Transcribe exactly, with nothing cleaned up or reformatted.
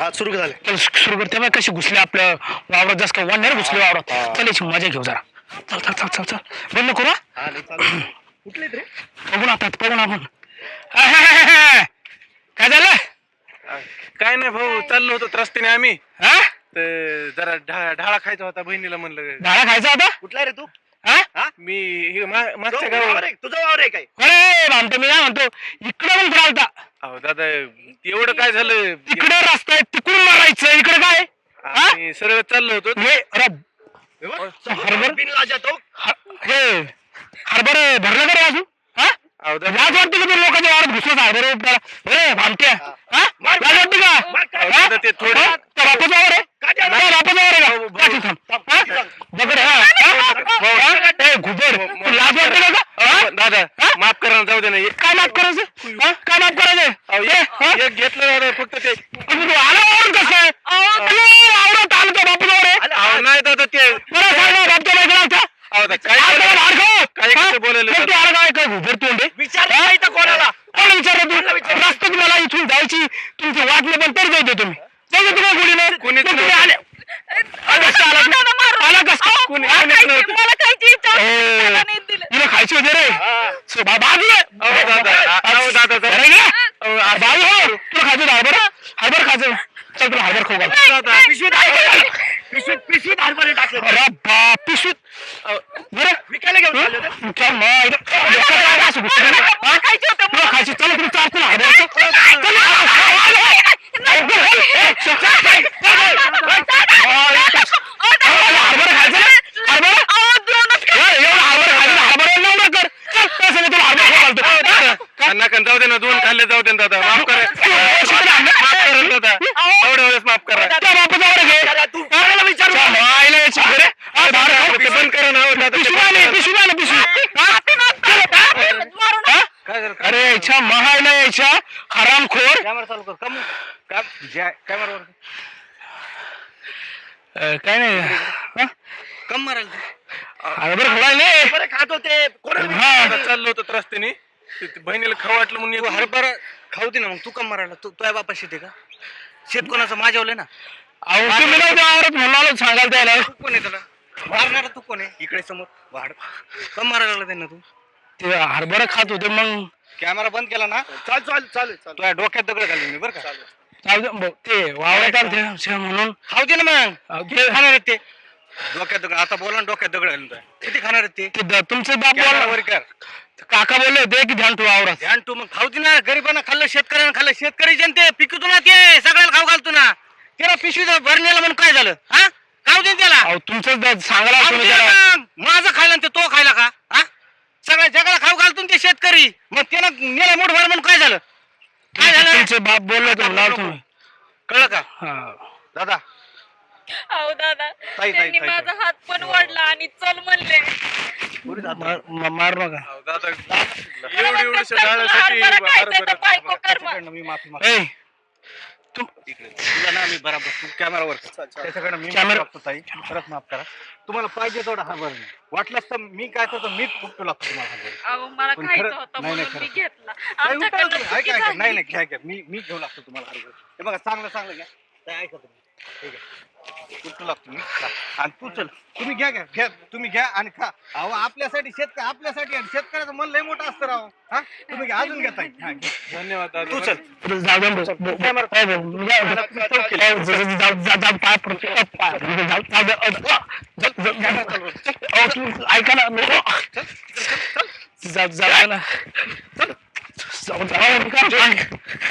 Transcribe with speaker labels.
Speaker 1: हा सुरू झाले.
Speaker 2: चल सुरू कर. तेव्हा कशी घुसले आपल्या वावरात जास्त का वाढणार घुसले वावरात. चल याची मजा घेऊ जरा. चल चल चल चल चल बंद नको ना.
Speaker 1: कुठले रे
Speaker 2: बघून आता बघून आपण काय झालं.
Speaker 3: काय नाही भाऊ, चाललो होतो रस्त्याने आम्ही.
Speaker 2: हा
Speaker 3: तर जरा ढा- ढाळा खायचा होता, बहिणीला म्हणलं.
Speaker 2: डाळा खायचा होता.
Speaker 1: कुठला रे तू?
Speaker 2: हा
Speaker 3: मी हे मा- मागच्या
Speaker 1: गावावर
Speaker 3: गावावर.
Speaker 1: आहे, तुझं वावर आहे काय?
Speaker 2: अरे म्हणतो मी काय म्हणतो इकडे पण फिरालता.
Speaker 3: अहो दादा, एवढं काय झालं,
Speaker 2: तिकडे रस्ता आहे तिकडून मारायचं इकडे काय.
Speaker 3: आम्ही सरळ चाललो होतो.
Speaker 2: हे अरे
Speaker 1: हरभर बिन लाजा तो.
Speaker 2: हे हरभरे भरलं का रे अजून. हा
Speaker 3: अहो दादा,
Speaker 2: लाज वाटते का तू लोकांच्या वावरात घुसलं हरभरे अरे भामट्या. हा लाज वाटते का.
Speaker 3: अहो
Speaker 2: हा?
Speaker 3: दादा, ते थोडं
Speaker 2: हा? त्या बापाचं वावर आहे. त्या बापाचं वावर आहे का. पाठी थांब. हा? बघ रे, हा? हा? हा? ए, घुबड तू लाज वाटते का का? हा?
Speaker 3: अहो, दादा
Speaker 2: हा?
Speaker 3: माफ करा ना, जाऊ दे ना. एक-
Speaker 2: काय माफ करायचं. हा? काय माफ करायचं.
Speaker 3: अहो,
Speaker 2: ए, हा?
Speaker 3: एक एक घेतलं दादा, फक्त ते.
Speaker 2: तू आला वावरून कसं काय. तू वावरात आलं त्या बापाचं वावर आहे.
Speaker 3: अहो नाही दादा, ते
Speaker 2: बरं सांग बापच्या बायकोला.
Speaker 3: अहो दादा, काय
Speaker 2: काय
Speaker 3: बोलायला-
Speaker 2: बोलायला हरकत?
Speaker 3: काय
Speaker 2: हा?
Speaker 3: कसं बोलायला
Speaker 2: पण तू आला काय काय घुबड तोंड आहे?
Speaker 1: विचार नाही तर कोणाला.
Speaker 2: कोण विचारलं तू. रस्ता तुम्हाला इथून जायची तुमची वाट नाही पण तर जायचं तुम्ही जाऊ तुम्हाला गोळीने.
Speaker 3: कोणीच
Speaker 2: तुम्ही
Speaker 3: नव्हतं.
Speaker 2: आले कसं आला तू? आला कसं.
Speaker 3: कोणी-
Speaker 2: हा?
Speaker 3: कोणीच नव्हतं.
Speaker 4: मला खायची इच्छा
Speaker 2: ए,
Speaker 4: मला नाही दिलं.
Speaker 2: तुला खायची होते रे. सो, बा- बाजू आहे.
Speaker 3: अहो दादा, अहो दादा, दादा.
Speaker 2: अरे गे. अहो, बाजू हो. तुला खायचं हरभर हरभर खायचं. चल तुला हरभर खाऊ घाल.
Speaker 3: दादा,
Speaker 1: पिशवीत हरभरे पिशवीत पिशवीत हरभरे टाकले.
Speaker 2: अरे बाप पिशवीत.
Speaker 3: अहो,
Speaker 2: बरं
Speaker 1: विकायला घेऊन चालले होते.
Speaker 2: तुमच्या मायला- लोकं काय असं घुसलं ना? हा?
Speaker 4: खायची होतं
Speaker 2: तुला खायची. चला तुम्ही चाल तुला हरभर. चल, चल, हरभर खायचं ना? हरभर? ए, एवढं हरभर खायचं ना? हरभर एवढं कर. चल, त्या संग तुला हरभर खाऊ घालतो.
Speaker 3: दादा, नका जाऊ दे ना, दोन खाल्ले जाऊ दे ना दादा, माफ करा. माफ करा ना दादा, एवढ्या वेळेस माफ करा.
Speaker 2: त्या बापाचं वर घे.
Speaker 1: अरे तू कोणाला विचारू?
Speaker 2: त्या मायला याची घरे. हा, बाहेर खाऊ.
Speaker 3: ते बंद करा ना, हो दादा.
Speaker 2: पिशवी आली, पिशवी आली, पिशवी. हा? हा?
Speaker 3: काय झालं?
Speaker 2: अरे याच्या महायला याच्या हरामखोर.
Speaker 3: कॅमेरा चालू कर. कम का कॅमेरावर
Speaker 2: अ, काय नाही. हा?
Speaker 3: कम मारायला
Speaker 2: हरभर खोडायले.
Speaker 1: हरभरे खात होते. कोणाला
Speaker 2: हा.
Speaker 3: आता चाललो होतो रस्त्याने, ते- ते बहिणीला खाऊ वाटलं म्हणून
Speaker 5: तू
Speaker 3: एक-
Speaker 5: हरभरा खाऊ दे ना, मग तू कम मारायला. तू तुझ्या बापा शेते का शेत कोणाचं माझ्यावले ना.
Speaker 2: अहो तुम्ही नव्हते आवरत म्हणालो सांगाल त्याला.
Speaker 5: तू कोण आहे त्याला मारणारा? तू कोण आहे इकडे समोर वाढ कम मारायला लागला त्यांना. तू
Speaker 2: ते हरभर खात होते मग
Speaker 5: कॅमेरा बंद केला ना,
Speaker 1: चाल चाल चालेल चालेल.
Speaker 5: तुझ्या डोक्यात दगड घालून मी बरं का.
Speaker 2: जाऊ दे, ब- ते वावरात आलते असे म्हणून.
Speaker 5: खाऊ दे ना मग.
Speaker 2: अहो,
Speaker 5: किती
Speaker 2: ते-
Speaker 5: खाणार आहेत ते डोक्यात दगड. आता बोला ना, डोक्यात दगड घालून तुझ्या. किती खाणार आहेत ते.
Speaker 2: ते द- तुमचे बाप
Speaker 5: कॅमेरा
Speaker 2: बोलला-
Speaker 5: वर कर.
Speaker 2: काका बोलले होते की ध्यान ठेवा वावरात.
Speaker 5: ध्यान तू मग खाऊ दे ना. गरिबांना खाल्लं, शेतकऱ्यांना खाल्लं. शेतकरी जनते पिकतो ना, ते सगळ्याला खाऊ घालतो ना. त्याला पिशवीचा भरणीला म्हणून काय झालं. हा खाऊ दे ना त्याला.
Speaker 2: अहो तुमचं द- सांगायला
Speaker 5: खाऊ
Speaker 2: तुम्ही
Speaker 5: दे
Speaker 2: त्याला.
Speaker 5: ना. माझं खायला आणि ते तो खायला का. हा सगळ्या जगाला खाऊ घालतो ना ते शेतकरी. मग त्यानं नेला मोठ भर म्हणून काय झालं. काय झालं
Speaker 2: तुमचे बाप बोलले होते लाव तुम्ही.
Speaker 5: कळलं का
Speaker 2: हा.
Speaker 5: दादा.
Speaker 4: अहो दादा
Speaker 5: ताई,
Speaker 4: त्यांनी
Speaker 5: ताई,
Speaker 4: माझा हात पण ओढला आणि चल म्हणले.
Speaker 2: मार म- मार नका.
Speaker 3: अहो, दादा, एवढी
Speaker 4: मला
Speaker 3: एवढीशा
Speaker 4: कसं
Speaker 3: डाळासाठी
Speaker 4: हरभरा खायचं तर
Speaker 3: हरभरा-
Speaker 4: बायको कर मग.
Speaker 5: त्याच्याकडनं मी माफी मागतो.
Speaker 2: ए तू
Speaker 5: इकडे तुला ना मी बराबर तू कॅमेरावर त्याच्याकडे मी
Speaker 2: कॅमेरा-
Speaker 5: माफी मागतो ताई. परत माफ करा. तुम्हाला पाहिजे तेवढा हा बरं नाही. वाटलंच तर मी काय करतो, मीच उपटू लागतो तुम्हाला हा बरं.
Speaker 4: अहो मला
Speaker 5: पण
Speaker 4: खायचं
Speaker 5: खरं-
Speaker 4: होतं
Speaker 5: नाही, नाही,
Speaker 4: म्हणून मी
Speaker 5: खरं.
Speaker 4: घेतला.
Speaker 5: नाही, उपटा
Speaker 4: आमच्याकडनं
Speaker 5: तुम्ही.
Speaker 4: चुकी
Speaker 5: ऐका ऐका
Speaker 4: झाली.
Speaker 5: नाही नाही घ्या घ्या मी मी घेऊ लागतो तुम्हाला हरभरा. हे बघा चांगलं चांगलं घ्या. ताई, ऐका तुम्ही. ठीक आहे उपटू लागतो मी. खा. आणि तू चल तुम्ही घ्या घ्या घ्या तुम्ही घ्या आणि खा. अहो आपल्यासाठी शेतकरी आपल्यासाठी आणि शेतकऱ्याचं मन लय मोठं असतं राव. हा तुम्ही घ्या, अजून घ्या ताई. हा, घ्या.
Speaker 3: धन्यवाद दादा.
Speaker 5: तू चल.
Speaker 2: जाऊ दे बस. ब- ब- हो, हो, मी जाऊ- जाऊ- जाऊ- जाऊ- जाऊ- जाऊ- जाऊ- पाय पडतो. पाय- जाऊ- जाऊ दे. अ, अ, जाऊ- जाऊ- जाऊ- अहो, तुम्ही ऐका ना. जाऊ जाऊ ना. जाऊ जाऊ